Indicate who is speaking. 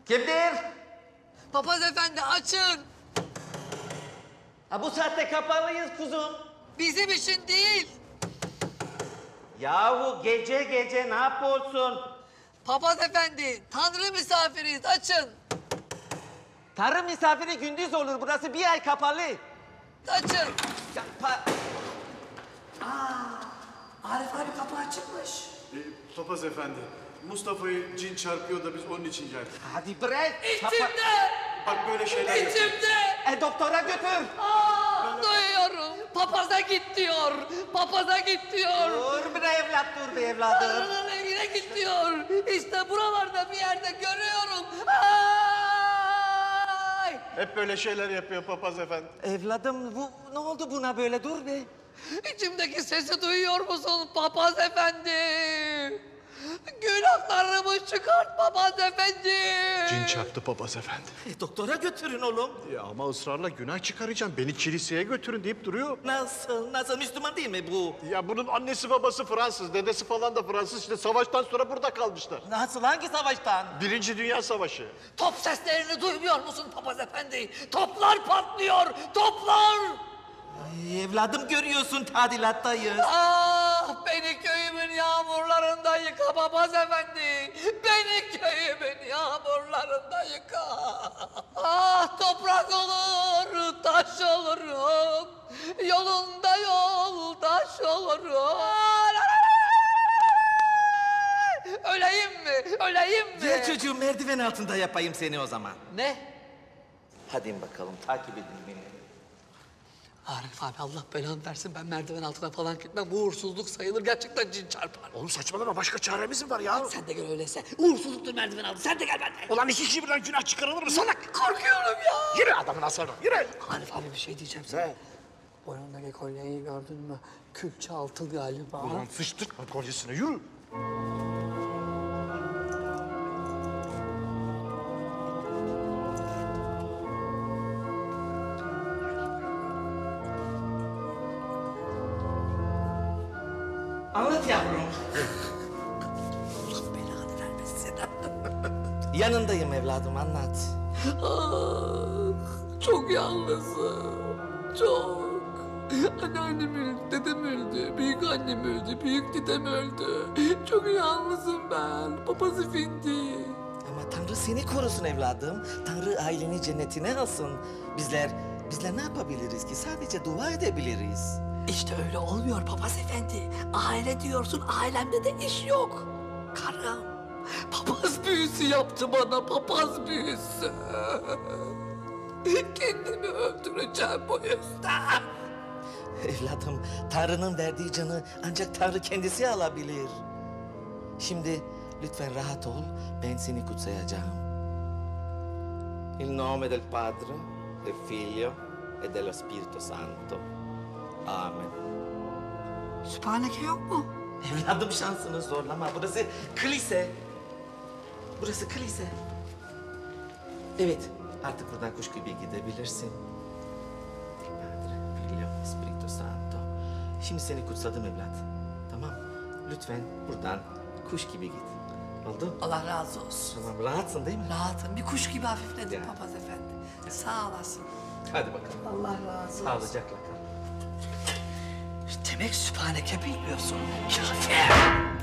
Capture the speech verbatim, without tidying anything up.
Speaker 1: Kimdir?
Speaker 2: Papaz efendi açın.
Speaker 1: Ha, bu saatte kapalıyız kuzum.
Speaker 2: Bizim için değil.
Speaker 1: Yahu gece gece ne yapıyorsun?
Speaker 2: Papaz efendi, tanrı misafiriyiz, açın.
Speaker 1: Tanrı misafiri gündüz olur. Burası bir ay kapalı.
Speaker 2: Açın.
Speaker 1: Ya, pa-
Speaker 2: Arif abi kapı açıkmış.
Speaker 3: E, Papaz efendi, Mustafa'yı cin çarpıyor da biz onun için geldik.
Speaker 1: Hadi bırak. Kapa-
Speaker 2: İçimde,
Speaker 3: Bak böyle şeyler yapıyor.
Speaker 2: içimde.
Speaker 1: E, doktora götür.
Speaker 2: Aa, duyuyorum. Papaza git diyor. Papaza git diyor.
Speaker 1: Dur bir evlat, dur bir evladım.
Speaker 2: Tanrı'nın evine git diyor. İşte buralarda bir yerde görüyorum. Ay!
Speaker 3: Hep böyle şeyler yapıyor Papaz efendi.
Speaker 1: Evladım bu ne oldu buna böyle, dur be.
Speaker 2: İçimdeki sesi duyuyor musun papaz efendi? Günahlarımı çıkart papaz efendi.
Speaker 3: Cin çarptı Papaz efendi.
Speaker 1: E, doktora götürün oğlum.
Speaker 3: Ya ama ısrarla günah çıkaracağım. Beni kiliseye götürün deyip duruyor.
Speaker 1: Nasıl, nasıl Müslüman değil mi bu?
Speaker 3: Ya bunun annesi babası Fransız, dedesi falan da Fransız. İşte savaştan sonra burada kalmışlar.
Speaker 1: Nasıl, hangi savaştan?
Speaker 3: Birinci Dünya Savaşı.
Speaker 2: Top seslerini duymuyor musun papaz efendi? Toplar patlıyor, toplar!
Speaker 1: Ay, evladım görüyorsun, tadilattayız.
Speaker 2: Ah, beni köyümün yağmurlarında yıka papaz efendi. Beni köyümün yağmurlarında yıka. Ah, toprak olur, taş olurum. Yolunda yoldaş olurum. Öleyim mi? Öleyim mi?
Speaker 1: Gel çocuğum, merdiven altında yapayım seni o zaman.
Speaker 2: Ne?
Speaker 1: Hadi bakalım, takip edin beni.
Speaker 2: Arif abi Allah belanı versin, ben merdiven altına falan gitmem. Bu uğursuzluk sayılır, gerçekten cin çarpar.
Speaker 3: Oğlum saçmalama, başka çaremiz mi var ya?
Speaker 2: Sen de gel öyleyse. Uğursuzluktur merdiven altı, sen de gel benden.
Speaker 3: Ulan iki kişi birden günah çıkarılır mı salak?
Speaker 2: Korkuyorum ya.
Speaker 3: Yürü adamın aslanı, yürü.
Speaker 2: Arif abi bir şey diyeceğim sana.
Speaker 3: Ne?
Speaker 2: Boynundaki kolyeyi gördün mü? Külçe altın galiba.
Speaker 3: Ulan sıçtırma kolyesine, yürü.
Speaker 1: Anlat yavrum.
Speaker 2: Allah belanı vermesin.
Speaker 1: Yanındayım evladım, anlat.
Speaker 2: Ah, çok yalnızım. Çok. Anneannem öldü, dedem öldü, büyük annem öldü, büyük dedem öldü. Çok yalnızım ben, papaz efendi.
Speaker 1: Ama Tanrı seni korusun evladım. Tanrı aileni cennetine alsın. Bizler, bizler ne yapabiliriz ki? Sadece dua edebiliriz.
Speaker 2: İşte öyle olmuyor papaz efendi. Aile diyorsun, ailemde de iş yok. Karım, papaz büyüsü yaptı bana, papaz büyüsü. Kendimi öldüreceğim bu yüzden.
Speaker 1: Evladım, Tanrı'nın verdiği canı ancak Tanrı kendisi alabilir. Şimdi lütfen rahat ol, ben seni kutsayacağım. In nome del Padre, del Figlio e dello Spirito Santo. Amen.
Speaker 2: Sübhaneke yok mu?
Speaker 1: Evladım şansını zorlama, burası kilise. Burası kilise. Evet, artık buradan kuş gibi gidebilirsin. Padre, Figlio, Spirito Santo. Şimdi seni kutsadım evlat. Tamam, lütfen buradan kuş gibi git. Oldu?
Speaker 2: Allah razı olsun.
Speaker 1: Tamam, rahatsın değil mi?
Speaker 2: Rahatım, bir kuş gibi hafifledim
Speaker 1: Ya.
Speaker 2: papaz efendi. Sağ olasın.
Speaker 1: Hadi bakalım.
Speaker 2: Allah razı olsun.
Speaker 1: Sağlıcakla kal.
Speaker 2: Demek sübhaneke bilmiyorsun. Kafir.